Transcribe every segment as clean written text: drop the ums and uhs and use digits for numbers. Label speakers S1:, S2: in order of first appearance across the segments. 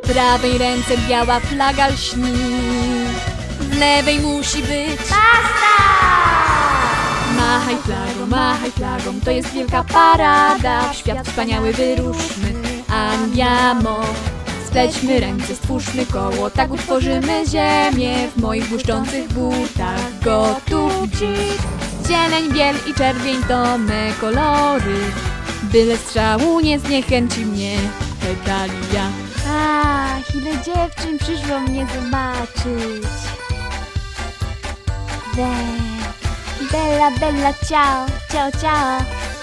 S1: W prawej ręce biała flaga lśni, w lewej musi być
S2: Basta!
S1: machaj flagą, to jest wielka parada. W świat wspaniały wyruszmy, andiamo. Splećmy ręce, stwórzmy koło, tak utworzymy ziemię. W moich błyszczących butach gotów dziś. Zieleń, biel i czerwień to me kolory. Byle strzału nie zniechęci mnie pedalia.
S2: Ach, ile dziewczyn przyszło mnie zobaczyć. Bella, bella, ciao, ciao, ciao.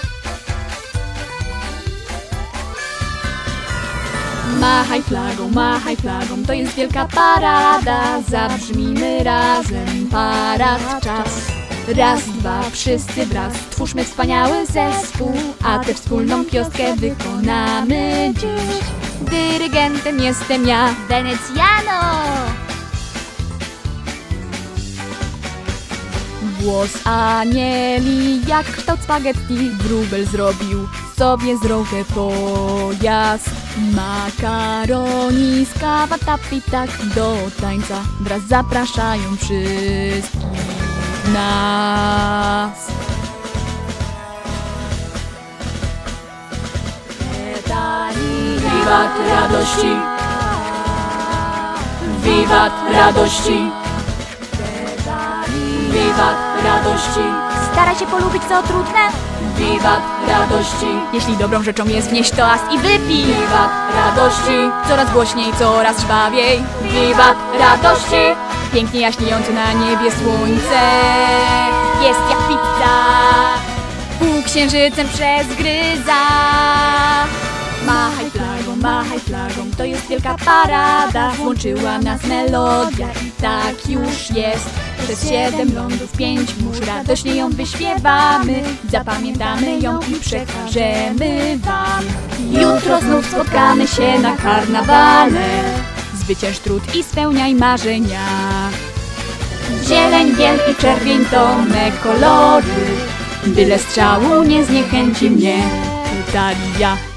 S1: Machaj flagą, to jest wielka parada. Zabrzmijmy razem, parad czas. Raz, dwa, wszyscy wraz, twórzmy wspaniały zespół, a tę wspólną pioskę wykonamy dziś. Dyrygentem jestem ja,
S2: Wenecjano!
S1: włos anieli jak kształt spaghetti. Wróbel zrobił sobie z drogę pojazd. Makaroni z kawatapi tak do tańca wraz zapraszają wszystkich nas. Wiwat radości, wiwat radości, wiwat radości,
S2: Stara się polubić co trudne.
S1: wiwat radości. Jeśli dobrą rzeczą jest wnieść toast i wypij. Wiwat radości, coraz głośniej, coraz żwawiej. Wiwat radości, pięknie jaśniejące na niebie słońce jest jak pizza, półksiężycem przezgryza. Machaj flagą, to jest wielka parada. Włączyła nas melodia i tak już jest. Przez 7 lądów 5 mórz radośnie ją wyśpiewamy. Zapamiętamy ją i przekażemy wam. Jutro znów spotkamy się na karnawale. Zwycięż trud i spełniaj marzenia. Zieleń, biel i czerwień to me kolory. Byle strzału nie zniechęci mnie Italia.